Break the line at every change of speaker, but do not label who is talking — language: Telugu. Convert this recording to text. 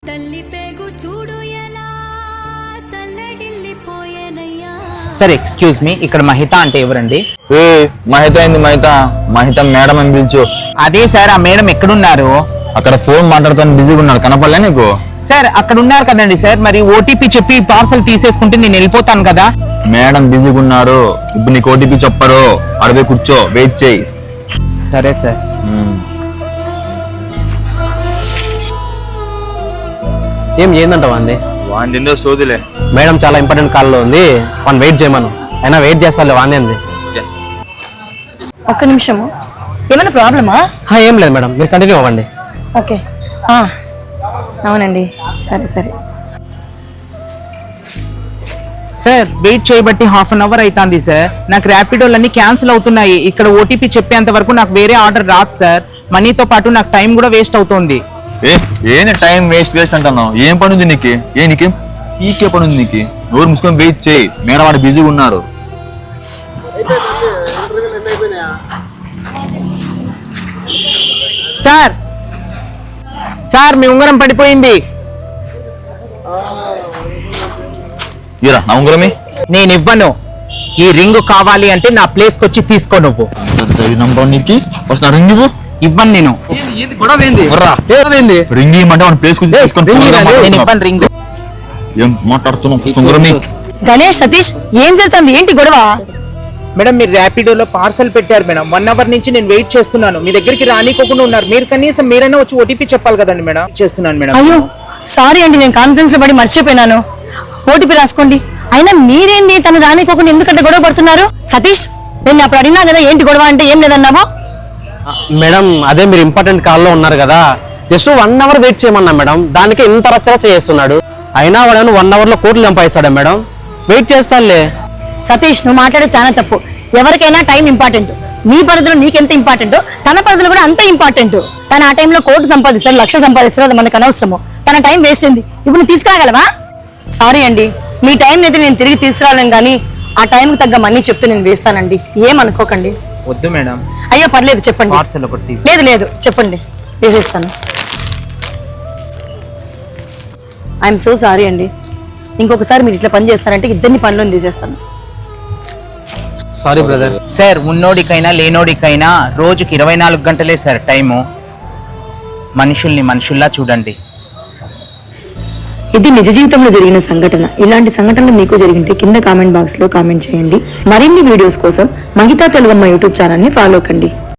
సార్ ఎక్స్క్యూజ్ మీ, ఇక్కడ మహిత అంటే ఎవరండి?
మహిత ఏంది? మహిత మేడం అని పిలిచు.
అదే సార్, ఆ మేడం ఎక్కడున్నారు?
అక్కడ ఫోన్ మాట్లాడుతాను, బిజీగా ఉన్నాడు. కనపడలే నీకు?
సార్ అక్కడ ఉన్నారు కదండి సార్, మరి ఓటీపీ చెప్పి పార్సల్ తీసేసుకుంటే నేను వెళ్ళిపోతాను కదా.
మేడం బిజీగా ఉన్నారు, ఇప్పుడు నీకు ఓటీపీ చెప్పరు. అడవే కూర్చో, వెయిట్ చేయి.
సరే సార్.
ఏం ఏందంటావా అండి?
వాండిందో సోదిలే.
మేడం చాలా ఇంపార్టెంట్ కాల్లో ఉంది, మనం వెయిట్ చేయమను. అయినా వెయిట్ చేస్తాలే, వాంది.
ఒక్క నిమిషము, ఏమైనా ప్రాబ్లమా?
ఏం లేదు మేడం, మీరు కంటిన్యూ అవ్వండి.
ఓకే, అవునండి, సరే సరే.
సార్ వెయిట్ చేయబట్టి హాఫ్ అన్ అవర్ అవుతుంది సార్. నాకు ర్యాపిడోలన్నీ క్యాన్సిల్ అవుతున్నాయి. ఇక్కడ ఓటీపీ చెప్పేంత వరకు నాకు వేరే ఆర్డర్ రాదు సార్. మనీతో పాటు నాకు టైం కూడా వేస్ట్ అవుతుంది.
ఏంది టైం వేస్ట్ అంటున్నావు? ఏం పని ఉంది నీకు? నీకేం ఈకే పని ఉంది నీకు? నోరు మూసుకొని వెయిట్ చేయి, మేడం వాడు బిజీగా ఉన్నారు.
సార్ సార్ మీ ఉంగరం పడిపోయింది.
ఇరా నా ఉంగరమే.
నేను ఇవ్వను. ఈ రింగ్ కావాలి అంటే నా ప్లేస్ కి వచ్చి తీసుకో. నువ్వు
నీకు ఫస్ట్ నా రింగ్ ఇవ్వు.
ఇవ్వను నేను.
రింగ్ ఇవ్వమంటే మన ప్లేస్ కి తీసుకొని
నేను ఇవ్వను రింగ్.
ఏం మాట్లాడుతున్నావు? ఉంగరమే.
గణేష్, సతీష్, ఏం జరుగుతుంది? ఏంటి గొడవ?
మేడం మీరు ర్యాపిడోలో పార్సల్ పెట్టారు మేడం. 1 అవర్ నుంచి నేను వెయిట్ చేస్తున్నాను. మీ దగ్గరికి రానికోకుండా ఉన్నారు. మీరు కనీసం మీరైనా వచ్చి ఓటీపీ చెప్పాలి కదండి మేడం. చేస్తున్నాను మేడం.
అయ్యో సారీ అండి, నేను కాన్ఫరెన్స్ లో పడి మర్చిపోయినాను. ఓటీపీ రాసుకోండి. అయినా మీరేంది తను రానికోకుండా ఎందుకంటే గొడవ పడుతున్నారు? సతీష్, నేను అప్పుడు అడిగినా కదా ఏంటి గొడవ అంటే ఏం లేదన్నావా?
మేడం అదే మీరు ఇంపార్టెంట్ కాల్లో ఉన్నారు కదా, జస్ట్ 1 అవర్ వెయిట్ చేయమన్నా మేడం. దానికి ఇంత రచ్చరచ్చ చేస్తున్నాడు. అయినా వాడు 1 అవర్ లో కోట్లు సంపాదిస్తాడా మేడం? వెయిట్ చేస్తానులే.
సతీష్, నువ్వు మాట్లాడే చాలా తప్పు. ఎవరికైనా టైం ఇంపార్టెంట్. నీ పరిధిలో నీకెంత ఇంపార్టెంట్, తన పరిధిలో కూడా అంతే ఇంపార్టెంట్. తన ఆ టైంలో కోటి సంపాదిస్తాడు, 1,00,000 సంపాదిస్తాడు, అది మనకు అనవసరము. తన టైం వేస్ట్ అయింది. ఇప్పుడు నువ్వు తీసుకురాగలవా? సారీ అండి, మీ టైం అయితే నేను తిరిగి తీసుకురాలేను, కానీ ఆ టైంకి తగ్గ మనీ చెప్తే నేను వేస్తానండి. ఏమనుకోకండి.
వద్దు మేడం.
అయ్యో పర్లేదు, చెప్పండి.
పార్సల్ ఒకటి తీసి.
లేదు లేదు, చెప్పండి, వేసేస్తాను. ఐఎమ్ సో సారీ అండి. ఇంకొకసారి మీరు ఇట్లా పని చేస్తారంటే ఇద్దరిని పనిలో తీసేస్తాను.
Sorry brother.
సార్ ఉన్నోడికైనా లేనోడికైనా రోజుకి 24 గంటలే సార్ టైము. మనుషుల్ని మనుషుల్లా చూడండి.
ఇది నిజ జీవితంలో జరిగిన సంఘటన. ఇలాంటి సంఘటనలు మీకు జరిగింటే కింద కామెంట్ బాక్స్ లో కామెంట్ చేయండి. మరిన్ని వీడియోస్ కోసం మహితా తెలుగమ్మ యూట్యూబ్ ఛానల్ ని ఫాలో కండి.